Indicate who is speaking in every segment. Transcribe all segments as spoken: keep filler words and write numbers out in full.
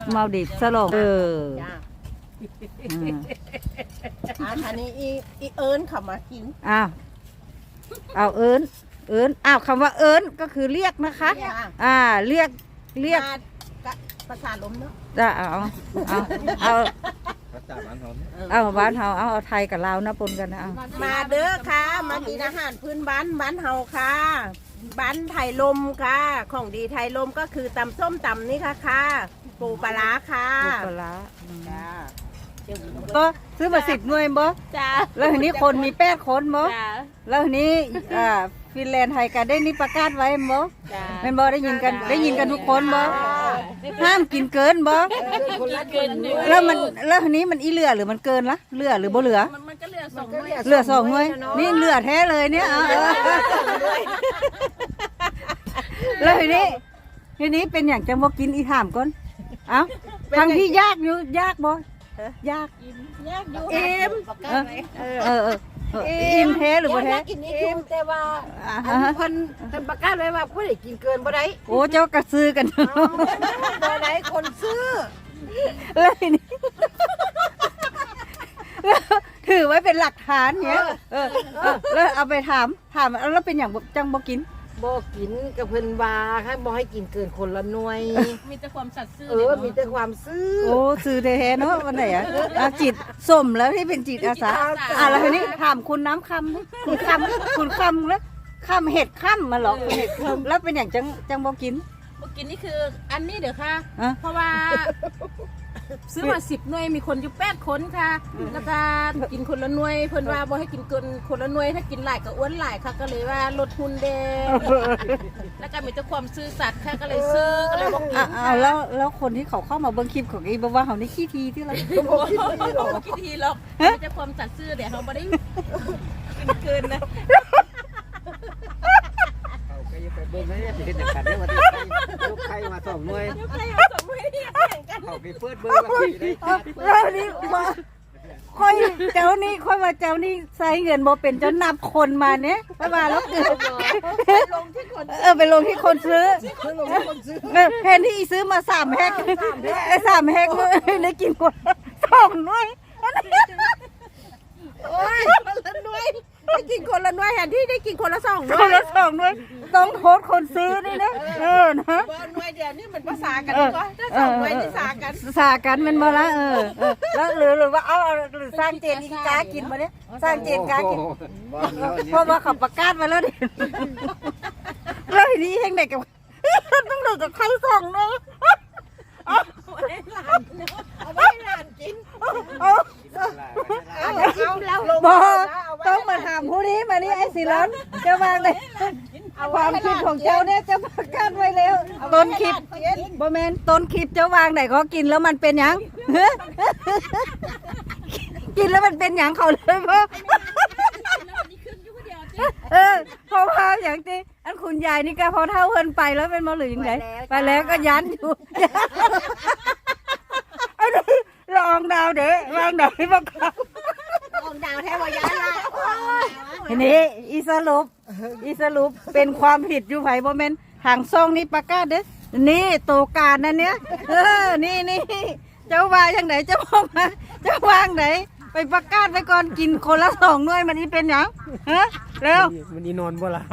Speaker 1: มาดิบสลงเออ
Speaker 2: อันนี้อีอีเอิญเขามากิน
Speaker 1: อ้าวเอาเอิญเอิญอ้าวคำว่าเอิญก็คือเรียกนะคะอ่าเรียกเรียก
Speaker 2: ภาษาลมเนาะ
Speaker 1: จะเอาเอาเอาเอาบ้านเฮาเอาเอาไทยกับลาวนะปนกันนะเอา
Speaker 2: มาเด้อค่ะมากินอาหารพื้นบ้านบ้านเฮาค่ะบ้านไทยลมค่ะของดีไทยลมก็คือตำส้มตำนี่ค่ะค่ะปูปลาค่ะ
Speaker 1: ปูปลาก็ซื้อมาสิบหน่วยบ่
Speaker 2: จ้า
Speaker 1: แล้วทีนี้คนมีแปดคนบ่แล้วทีนี้อ่าฟินแลนด์ไทยกันได้นี่ประกาศไว้บ่แม่นบ่ได้ยินกันได้ยินกันทุกคนบ่ห้ามกินเกินบ่แล้วมันแล้วทีนี้มันอีเหลือหรือมันเกินละเหลือหรือบ่เหลือ
Speaker 2: มันก็เหลือสองหน่วย
Speaker 1: เหลือสองหน่วยนี่เหลือแท้เลยเนี่ยเอาแล้วทีนี้ทีนี้เป็นอย่างจังบ่กินอีถามก่อนเอ้าทางที่ยากอยู่ยากบ่ยาก
Speaker 2: ยากอยู่อิ่ม
Speaker 1: เออเอออิ่มแท้หรือบ่แท้
Speaker 2: กินอิ่มแต่ว่าอันเพิ่นเพิ่นประกาศไว้ว่าบ่ได้กินเกินบ่ได้
Speaker 1: โอ้เจ้ากระซื้อกัน
Speaker 2: บ่ได้คนซื้อ
Speaker 1: เลยนี่ถือไว้เป็นหลักฐานเนี้ยเออแล้วเอาไปถามถามแล้วเป็นอย่างจังบ่กิน
Speaker 2: บ่กินกับเพิ่นว่าให้บ่ให้กินเกินคนละหน่วยมีแต่ความสัตย์ซื่อเออมีแต่ความซื่อ
Speaker 1: โอ้ซื่อแท้ๆเนาะวันไหนอ่ะจิตสมแล้วที่เป็นจิตอาสาอ่ะแล้วทีนี้ถามคุณน้ำคำคุณคำคุณคำแล้วคำเห็ดคำมาหรอคุณเห็ดคำแล้วเป็นอย่างจังจังบ่กิน
Speaker 3: บ่กินนี่คืออันนี้เดี๋ยวค่ะเพราะว่าซื้อมาสิบหน่วยมีคนอยู่แปดคนค่ะแล้วก็กินคนละหน่วยเพิ่นว่าบ่ให้กินเกินคนละหน่วยถ้ากินหลายก็อ้วนหลายค่ะก็เลยว่าลดทุนเด้แล้วก็มีแต่ความซื่อสัตย์ค่ะก็เลยซื้อก็เลยบ่กิน
Speaker 1: อ้าวแล้วแล้วคนที่เขาเข้ามาเบิ่งคลิปของอีบ่ว่าเฮานี่ขี้ทีที่เรา
Speaker 3: บ่ขี้ทีหรอกมีแต่ความสัตย์ซื่อเดี๋ยวเฮาบ่ได้กินเกินนะ
Speaker 4: ไปเบิ่งให้สิเฮ็ดจังซั่นเด้อว่าที่ลูกไข่มาสองหน่วย
Speaker 3: ลูกไข่มาสองหน่วยนี่แข่งกัน
Speaker 4: เขาไปเปิดเบิ่งว่าสิได้
Speaker 1: แล้วนี่บ่ค่อยเจ้านี่ค่อยมาเจ้านี่ใช้เงินบ่เป็นเจ้านับคนมาเนี่ยไปมาแล้วเกิด
Speaker 2: ลงที่คน
Speaker 1: เออไปลงที่คนซื้อแทนที่ซื้อมาสามแฮกไอ้สามแฮกได้กินคนสองหน่วย
Speaker 2: โอ้ยคนละหน่วยได้กินคนละหน่วยแทนที่ได้กินคนละสองหน่วย
Speaker 1: คนละสองหน่วยต้องโทษคนซื้อนี่นะเออนะ
Speaker 2: หน่วยเดียวนี่มันภาษากันก็ถ้าสองหน่วยนี่สากัน
Speaker 1: สากันมันมาละเออแล้วหรือหรือว่าเอาหรือสร้างเจนอีกากินมาเนี่ยสร้างเจนกากินเพราะว่าเขาประกาศมาแล้วดิแล้วทีนี้แห่งไหนกับต้องเหลือกับใครสองเนาะ
Speaker 2: เอาไว้หลานเอาไว้หลานกิน
Speaker 1: เอาต้องมาถามผู้นี้มานี่ไอ้สิร้อนจะวางเลยความคิดของเจ้าเนี่ยจะประกาศไว้แล้วต้นคลิปบ่แมนต้นคลิปเจ้าวางไหนเขากินแล้วมันเป็นยังกินแล้วมันเป็นยังเขาเลยเพราะเออพอพาอย่างที่อันคุณยายนี่ก็พอเท่าเพิ่นไปแล้วเป็นมอหรือยังไงไปแล้วก็ยันอยู่อันนี้ลองดาวเด้อวางดาวให้พวกเขา
Speaker 2: ลองดาวแท้ว่ายันละ
Speaker 1: ทีนี้อีสรุปอีสรุปเป็นความผิดอยู่ไผบ่แม่นทางซ่องนี่ประกาศเด้อนี่โตการนั่นเนี้ยเออนี่นี่เจ้าว่าจังไหนเจ้าบอกมาเจ้าวางไหนไปประกาศไว้ก่อนกินคนละสองหน่วยมันนี่เป็นหยังฮะเร็ว
Speaker 4: มันนี่นอนบ่ล่ะ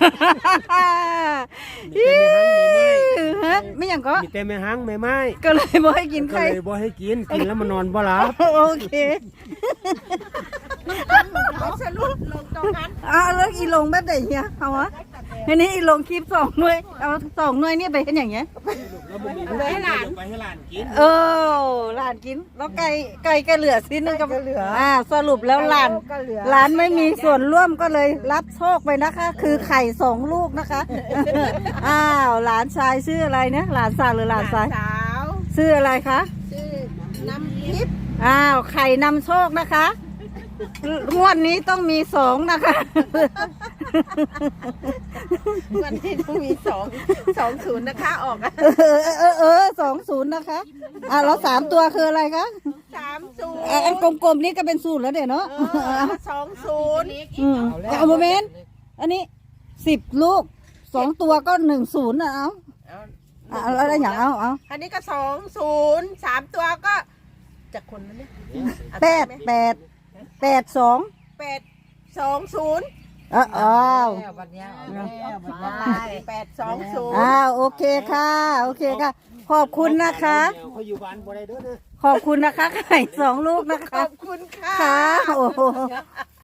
Speaker 1: ฮะไม่หยังก็
Speaker 4: มีแต่แม่หังแม่ไม้
Speaker 1: ก็เลยบ่ให้กินใคร
Speaker 4: ก็เลยบ่ให้กินกินแล้วมันนอนบ่ล่ะ
Speaker 1: โอเค
Speaker 2: สรุปลงตรงนั้น
Speaker 1: อ่ะแล้วอีลงแบบไหนเฮียเอาวะทีนี้อีลงคลิปสองหน่วยเอาสองหน่วยนี่ไปเป็นอย่างเงี้ย
Speaker 2: ไปให้หลาน
Speaker 4: ไปให้หลานกิน
Speaker 1: เออหลานกินแล้วไก่ไก่ก็เหลือสิ้นนึงก็เหลืออ่าสรุปแล้วหลานหลานไม่มีส่วนร่วมก็เลยรับโชคไปนะคะคือไข่สองลูกนะคะอ้าวหลานชายชื่ออะไรเนี่ยหลานสาวหรือหลานชาย
Speaker 2: สาว
Speaker 1: ชื่ออะไรคะ
Speaker 2: ชื่อน้ำทิพย์
Speaker 1: อ้าวไข่นำโชคนะคะงวดนี้ต้องมีสองนะคะ
Speaker 2: วันนี้ต้องมีสองสองศูนย์นะคะออก
Speaker 1: เออเออเออสองศูนย์นะคะอ่ะแล้วสามตัวคืออะไรคะ
Speaker 2: สามศูนย์
Speaker 1: อันกลมๆนี้ก็เป็นศูนย์แล้วเดี๋ยวเนาะ
Speaker 2: สองศูนย์
Speaker 1: อืมเอาโมเมนต์อันนี้สิบลูกสองตัวก็หนึ่งศูนย์นะเอาอ่ะเอาแล้วอย่างเอาเอา
Speaker 2: อันนี้ก็สองศูนย์สามตัวก็จากคนนั้นเนี่ย
Speaker 1: แปดแปดแปดสอง
Speaker 2: แปดสองศูนย์
Speaker 1: อ้าวอ้าว
Speaker 4: วันนี้เอาแล้ว
Speaker 2: แปดสองศูนย์
Speaker 1: อ้าวโอเคค่ะโอเคค่ะ ขอบคุณนะคะ
Speaker 4: เขาอยู่บ้านบ่ได้เด้อเด้อ
Speaker 1: ขอบคุณนะคะไข่สองลูกนะ
Speaker 2: ข
Speaker 1: คะ
Speaker 2: อบคุณค่ะ
Speaker 1: ค่ะโอ้โห